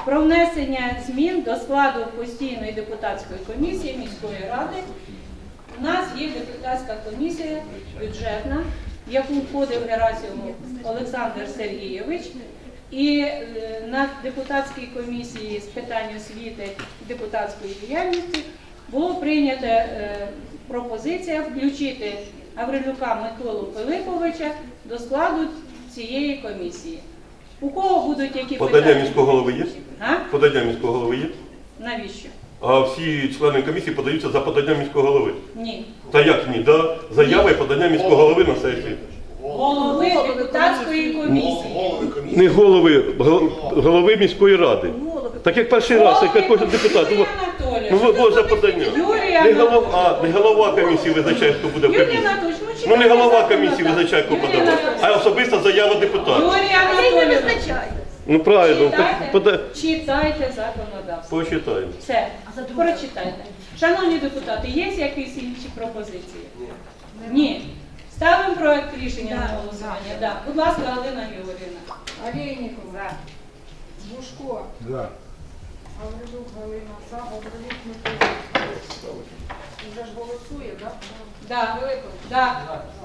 про внесення змін до складу постійної депутатської комісії міської ради. У нас є депутатська комісія бюджетна, в яку входив Герасимов Олександр Сергійович. І на депутатській комісії з питань освіти і депутатської діяльності було прийнято пропозиція включити Гаврилюка Миколу Пилиповича до складу цієї комісії. У кого будуть які Подання питання? міського голови є? А? Подання міського голови є? Навіщо? А всі члени комісії подаються за поданням міського голови. Ні. Та як ні? Да, заява і подання міського голови на сесію. Голови депутатської комісії. Не голови міської ради. Так як перший раз, як кожен депутат. Юрій Ну, Анатолійович. ви за подання. Не голова комісії визначає, хто буде в Юрій комісії. Анатолійович, Ну не читайте голова законодавство. комісії визначає, хто Юрій подавати, Анатолійович. а особиста заява депутата. Юрій Анатолійович, Ну правильно, читайте законодавство. почитаємо. Все, прочитайте. Шановні депутати, є якісь інші пропозиції? Ні. Ставимо проект рішення на голосування. Да. Будь ласка, Галина Георгіївна. Олейникова. Бушко. За. Гаврилюк Галина. За. Гаврилюк Микола. Вже ж голосує, так? Да. Пилипович. Да.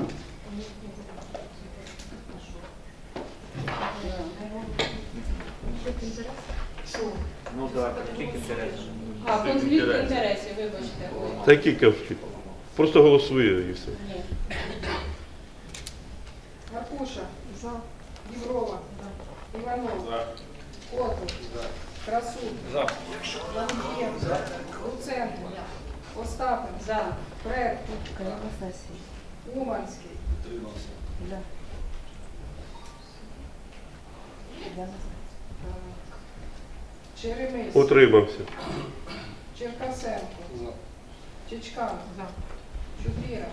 Ну так, конфлікт інтересів. А, конфлікт інтересів, вибачте. Та який конфлікт? Просто голосує і все. Ні. Маркуша. За. Єврова. Іванов. За. Котов. За. Красун. За. Лангієв. Луценко. Остапин. За. Пред. Уманський. Черемис. Утримався. Черкасенко. Чичкан. Чупіра.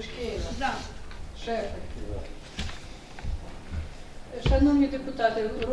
Шашкеєва. Шефер. Шановні депутати,